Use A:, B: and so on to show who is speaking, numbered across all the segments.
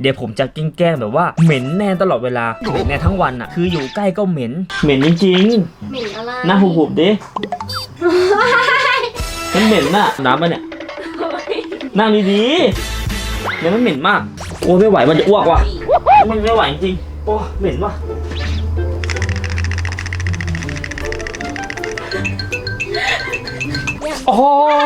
A: เดี๋ยวผมจะแกล้งแบบว่าเหม็นแน่ตลอดเวลาเหม็นแน่ทั้งวันอ่ะคืออยู่ใกล้ก็เหม็นจริง
B: ๆเหม็นอะไร
A: หน้าหุบๆดิมันเหม็นน่ะน้ำมันเนี่ยนั่งดีๆเนี่ยมันเหม็นมากโอ้ไม่ไหวมันจะอ้วกว่ะมันไม่ไหวจริงโอ้เหม็นว่ะโอ้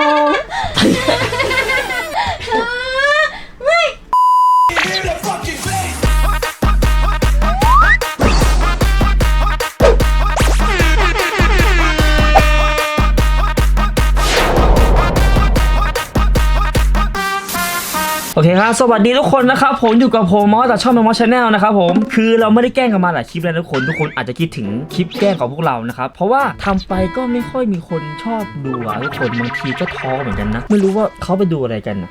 A: โอเคครับสวัสดีทุกคนนะครับผมอยู่กับผมมอสจากช่องมอสชาแนลนะครับผมคือเราไม่ได้แกล้งกันมาหลายคลิปแล้วทุกคนอาจจะคิดถึงคลิปแกล้งของพวกเรานะครับเพราะว่าทำไปก็ไม่ค่อยมีคนชอบดูอะทุกคนบางทีก็ท้อเหมือนกันนะไม่รู้ว่าเขาไปดูอะไรกันนะ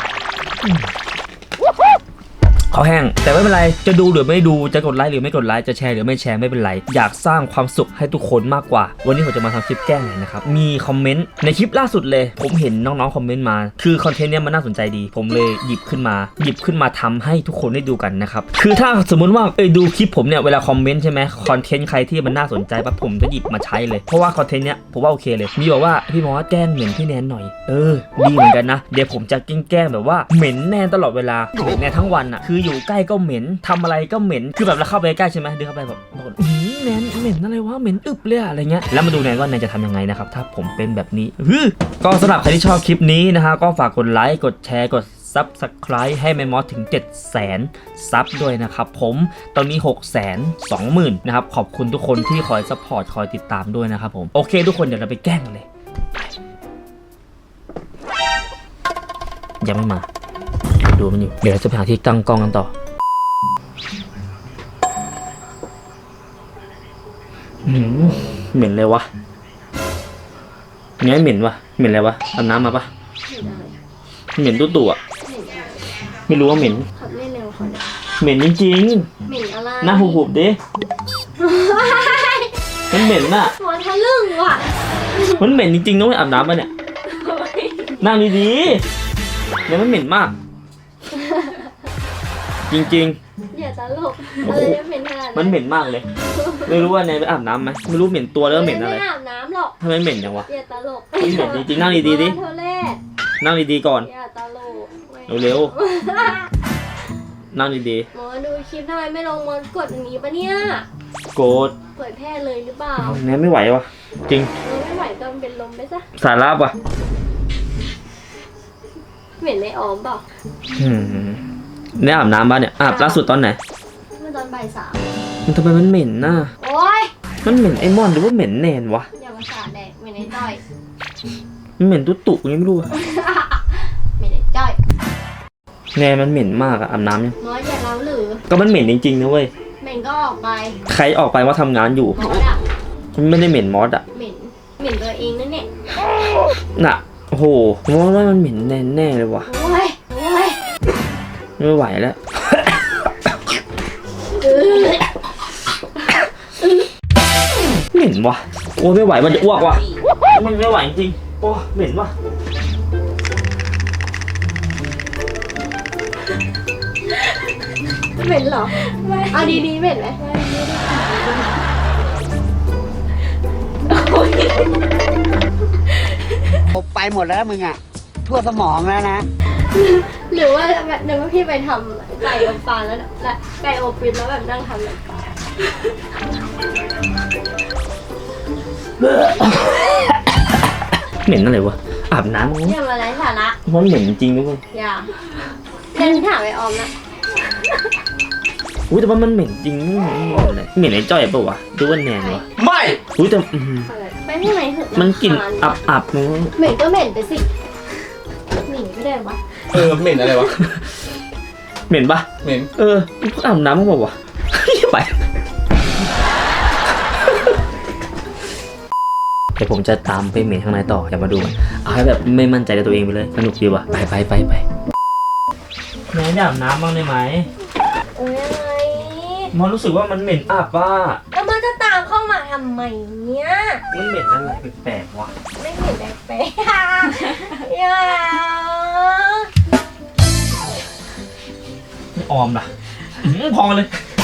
A: เขาแห้งแต่ไม่เป็นไรจะดูหรือไม่ดูจะกดไลค์หรือไม่กดไลค์จะแชร์หรือไม่แชร์ไม่เป็นไรอยากสร้างความสุขให้ทุกคนมากกว่าวันนี้ผมจะมาทำคลิปแกล้งหน่อยนะครับมีคอมเมนต์ในคลิปล่าสุดเลยผมเห็นน้องๆคอมเมนต์มาคือคอนเทนต์เนี้ยมันน่าสนใจดีผมเลยหยิบขึ้นมาทำให้ทุกคนได้ดูกันนะครับคือถ้าสมมุติว่าดูคลิปผมเนี่ยเวลาคอมเมนต์ใช่ไหมคอนเทนต์ใครที่มันน่าสนใจปั๊บผมจะหยิบมาใช้เลยเพราะว่าคอนเทนต์เนี้ยผมว่าโอเคเลยมีบอกว่าพี่มอสแกล้งเหม็นพี่แนนหน่อยดีเหมือนกันนะเดี๋ยวผมจะแกล้งแบบว่าเหม็นแนนตลอดเวลาเหม็นแนนทั้งวันอ่ะคืออยู่ใกล้ก็เหม็นทำอะไรก็เหม็นคือแบบเราเข้าไปใกล้ใช่ไหมเดินเข้าไปแบบแนนเหม็นอะไรวะเหม็นอึบเลยอะไรเงี้ยแล้วมาดูแนนว่าแนนจะทำยังไงนะครับถ้าผมเป็นแบบนี้ก็สำหรับใครที่ชอบคลิปนี้นะฮะก็ฝากกดไลค์กดแชร์กดSubscribe ให้แมมมอสถึง 700,000 ซับด้วยนะครับผมตอนนี้ 620,000 นะครับขอบคุณทุกคนที่คอยซัพพอร์ตคอยติดตามด้วยนะครับผมโอเคทุกคนเดี๋ยวเราไปแกล้งกันเลยยังไม่มาดูมันอยู่เดี๋ยวเราจะไปหาที่ตั้งกล้องกันต่อเหม็นเลยวะไงเหม็นวะเหม็นอะไรวะอาบน้ำมาปะเหม็นตัวอ่ะไม่รู้ว่าเหม็นขับเล่นเร็วเขาเนี่ยเหม็นจริงๆเหม็นอะไรหน้าหุบๆดิมันเหม็นน่ะหัวทะลึ่งว่ะมันเหม็นจริงๆต้องไปอาบน้ำมาเนี่ยนั่งดีๆเนี่ยมันเหม็นมากจริงๆอย่าตลกอะไรเหม็นขนาดนั้นมันเหม็นมากเลยไม่รู้ว่าเนยไปอาบน้ำไหมไม่รู้เหม็นตัวแล้วเหม็นอะไรไม่อาบน้ำหรอกทำไมเหม็นจังวะอย่าตลกมันเหม็นจริงๆนั่งดีๆดินั่งดีๆก่อนอย่าตลกเร็วๆนั่งดีๆหมอดูคลิปทำไมไม่ลงมากดอย่างนี้ปะเนี่ยกดเปิดแพร่เลยหรือเปล่าเนยไม่ไหววะจริงไม่ไหวก็เป็นลมไปซะสาระปะเหม็นในออมเปล่าเนี่ยอาบน้ำบ้านเนี่ยอาบล่าสุดตอนไหนเมื่อตอนบ่าย3มันทำไมมันเหม็นน่ะโอ๊ยมันเหม็นไอมอนหรือว่าเหม็นแนนวะอย่ามาสาดแดกเหม็นไอ้จ้อยมันเหม็นตุ๊ตุนี่ไม่รู้เหม็นไอ้จ้อยแนนมันเหม็นมากอะอาบน้ำเนี่ยน้อยอย่าเล่าหรือก็มันเหม็นจริงๆนะเว้ยเหม็นก็ออกไปใครออกไปว่าทำงานอยู่มอสอะมันไม่ได้เหม็นมอสอะเหม็นตัวเองนั่นเนี่ยน่ะโอ้โหว่ามันเหม็นแน่เลยวะไม่ไหวแล้วเหม็นวะโอ้ไม่ไหวมันจะอ้วกว่ะมันไม่ไหวจริงโอ้เหม็นวะ
B: เหม็นเหรอเอาดีๆเหม็นไหม
C: ไปหมดแล้วมึงอ่ะทั่วสมองแล้วนะ
B: หรือว่าแบบนึกว่าพี่ไปทำไก่อบฟางแล้วไก่อบฟิตแล้วแบบนั่งทำแบบ
A: เหม็นอะไรวะอาบน้ำ
B: อย่ามาไร้สาระ
A: มันเหม็นจริงๆด้วย
B: อย่าเดินถามไปออมนะ
A: อุ้ยแต่ว่ามันเหม็นจริงเหม็นไอ้จ้อยปะวะดูว่าแนนวะไม่อุ้ยแต่
B: ไปที่ไหนเถอะ
A: มันกลิ่นอับๆเลย
B: เหม็นก็เหม็นไปสิเหม็นไม่ได้วะ
D: เหม็นอะไรวะ
A: เหม็นปะ
D: เหม็น
A: อาบน้ำมั้งบอกวะไปเดี๋ยวผมจะตามไปเหม็นข้างในต่ออย่ามาดูเอาให้แบบไม่มั่นใจในตัวเองไปเลยสนุกดีว่ะไปแม่อาบน้ำบ้างได้ไหม
B: อะไร
A: มันรู้สึกว่ามันเหม็นอับว่ะ
B: แล้วมันจะตามเข้ามาทำไมเนี่ย
A: มันเหม็นอะไรแปลกๆวะ
B: ไม่เหม็นแปลกๆอย่า
A: ไม่ออมล่ะพอเลย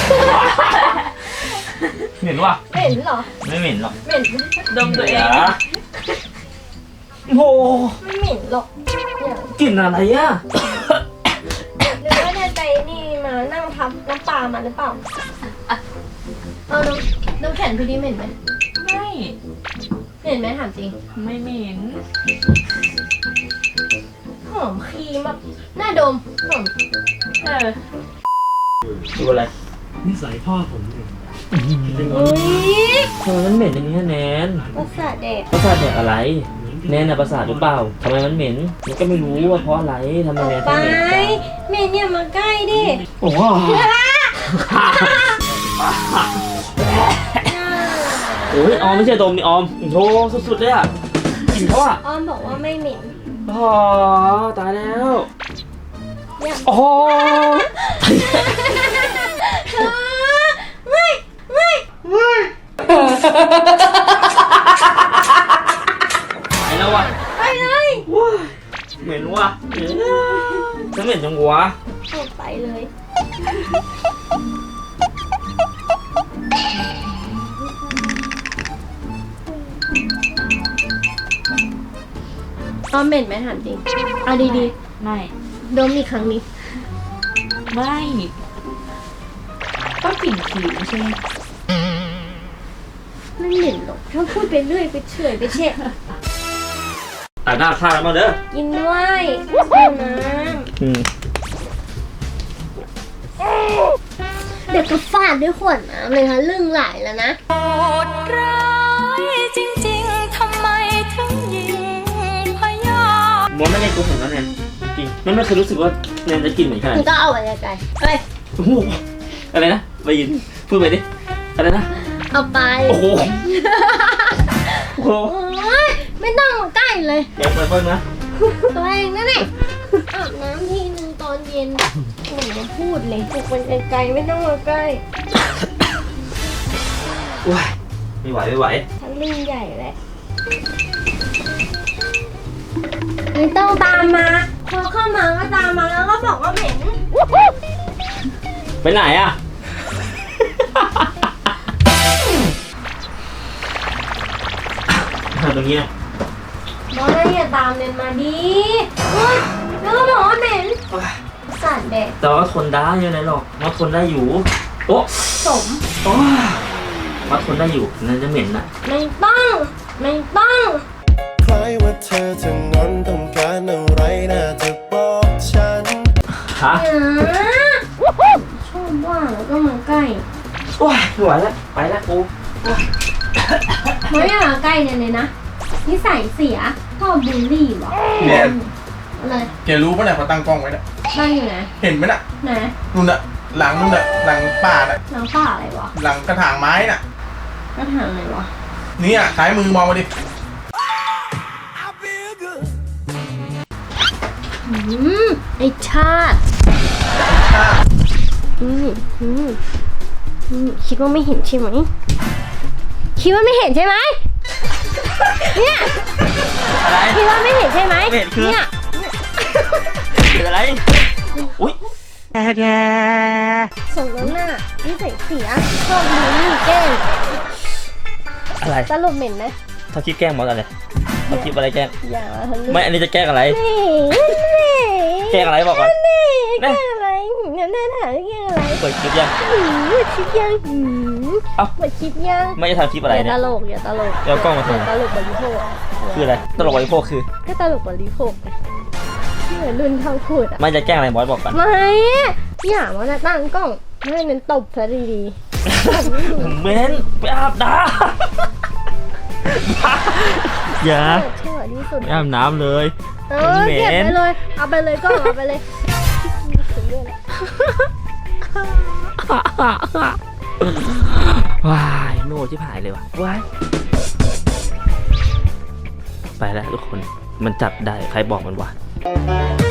A: เหม็นว่ะ
B: เหม็นเหรอ
A: ไม่เหม็นหรอก
B: เหม็น
D: ดมตัวเอง
A: โอ้โห
B: ไม่เหม็นหรอกเนี่ย
A: กลิ่นอะไรอ่ะ
B: หรือว่าเดินไปนี่มานั่งทับน้ำปลามาหรือเปล่าเอาน้ำแข็งพี่ดิเหม็นไหม
D: ไม่
B: เหม็นไหมถามจริง
D: ไม่เหม็น
B: หอมครีมแบบน่าดมหอม
A: ดูอะไร
E: นิสัยพ่อผมเนี่ย
B: อุ้ย
A: ทำไมมันเหม็นอย่างนี้แนน
B: ประสาทแดก
A: ประสาทเนี่ยอะไร แนนน่ะประสาทหรือเปล่าทำไมมันเหม็นมันก็ไม่รู้ว่าเพราะอะไรทำไม
B: ออก
A: แนน
B: ไป
A: ถึงเหม็นกัน
B: เหม็นอย่ามาใกล้ดิ
A: โอ้โหโอ้ยออมไม่ใช่ดมนี่ออมโธ่สุดๆเลยอ่ะกลิ่นเขาอ่ะ
B: อ้อมบอกว่าไม่เหม็น
A: อ๋อตายแล้ว
B: เนี่ย
A: โอ้โห
B: ไม่
A: ไปแล้วว่ะ
B: ไปเลย
A: ว้ายเหม็นว่ะจะเหม็นจังวะ
B: ออกไปเลยอ้อมเหม็นไหมถามจริงเอาดี
D: ไม่
B: ๆดมอีกครั้งนี้
D: ไม่ต้องกลิ่นผิวใช่ไหม
B: ไม่เหม็นหรอกถ้าพูดไปเรื่อยไปเฉอยไปเฉะ
A: แต่หน้าข้างแล้วมาเด้อ
B: กินด้วยเอาน้
A: อืม
B: ำเดี๋ยวก็ฟาดด้วยขวดน้ำเลยค่ะเรื่องหลายแล้วนะ
F: โหดร้ายจริงๆ ทำไมถึงยิงพยา
A: มดไม่ได้กูเห็นแล้วแนนจริงมันไม่เคยรู้สึกว่าแนนจะกินเหมือนขนาด
B: มึง
A: นี้
B: ก็เอาไปไกลๆเฮ้ย
A: โอ้โหอะไรนะไปยินพูดไปดิอะไรนะ
B: เอาไป
A: โอ้โหโอ้โห
B: โอ้ยไม่ต้องมาใกล้เลย
A: อย่าเปิดเพิ่งนะ
B: ตัวเองนั่นแหละอาบน้ำทีนึงตอนเย็นโอ้ยมาพูดเลยปลุกมันไกลๆไม่ต้องมาใกล้
A: ว้ายไม่ไหวไม่ไหว
B: ทั้งเรื่องใหญ่แหละไม่ต้องตามมาพอเข้ามาก็ตามมาแล้วก็บอกว่าเหม็น
A: ไปไหนอ่ะ ตรงนี้นะ
B: บอกว่าอย่าตามเดินมาดีแล้วก็บอกว่าเหม็นสาดแดด
A: แต่ว่าทนได้ยังไงหรอกมาทนได้อยู่โอ้
B: สม
A: โอ้มาทนได้อยู่นั่นจะเหม็นน่ะ
B: ไม่ต้องไม่ต้อง
G: คล้ายว่าเธอจะงอนต้องการอะไรน่าจะบอกฉัน
A: ฮะ
B: ชอบว่าแล้วก็มาใกล้
A: โอ้ยไม่ไหวแล้วไปแล้วกู
B: ไม่อยากใกล้เลยนะนิสัยเสียชอบบูลลี่วะ
E: เนี่ย
B: อะไร
E: แกรู้ป่ะเนี่ยเขาตั้งกล้องไว้เนี่ย
B: ตั้งอยู่ไหน
E: เห็นไหมน่ะ
B: ไหน
E: นู่นน่ะหลังนู่นน่ะหลังป่าน่ะ
B: น้ำป่าอะไรวะ
E: หลังกระถางไม้น่ะ
B: ก็ถามอะไรวะ
E: นี่อ่ะซ้ายมือมองมาดิ
B: ไอชาติคิดว่าไม่เห็นใช่ไหมคิดว่าไม่เห็นใช่ไหมเนี่ย
A: อะไร
B: คิดว่าไม่เห็นใช่ไหม
A: ไม่เห็นคือ
B: เนี่ย
A: เป็นอะไรอุ้ย
B: ส่งน้ำหน้านิสัยเสียชอบบูลลี่แกล้ง
A: อะไร
B: สรุปเหม็นไหม
A: ถ้าคิดแกล้งมอสอะไรถ้าคิดอะไรแกล้ง
B: อย่ามาทะลึ่ง
A: ไม่ อันนี้จะแกล้งอะไร แกล้งอะไรบอกก่อน
B: แกล้งอะไรเนี่ยน่าถามแกล้งอะไร
A: เปิดคลิปยัง
B: คลิปยัง
A: เอ้า
B: เปิดคลิปยัง
A: ไม่ได้ทำคลิปอะไร
B: อย่า
A: เนี่
B: ต
A: ย
B: ลกอย่าตลก
A: เดี๋ยวกล้องมาทำไม
B: ตลกบริโภค
A: คืออะไร ตลกบริโภคคือ
B: ก็ตลกบริโภคไงที่เหมือนรุ่นเท่าพูดอ่ะ
A: ไม่จะแกล้งอะไรมอสบอกก่อน
B: ไม่อย่ามานะตั้งกล้องให้เน้นตบซะดี
A: เม้นไปอาบน้ำอย่า
B: ๆชั่วที่สุด
A: ไปอาบน้ำเลย
B: เออเก็บไปเลยเอาไปเลยกล้องเอาไปเลยถึงเรื่องแล้ว
A: ว้ายโน่ที่ผายเลยว่ะว้ายไปแล้วทุกคน มันจับได้ ใครบอกมันวะ
F: เ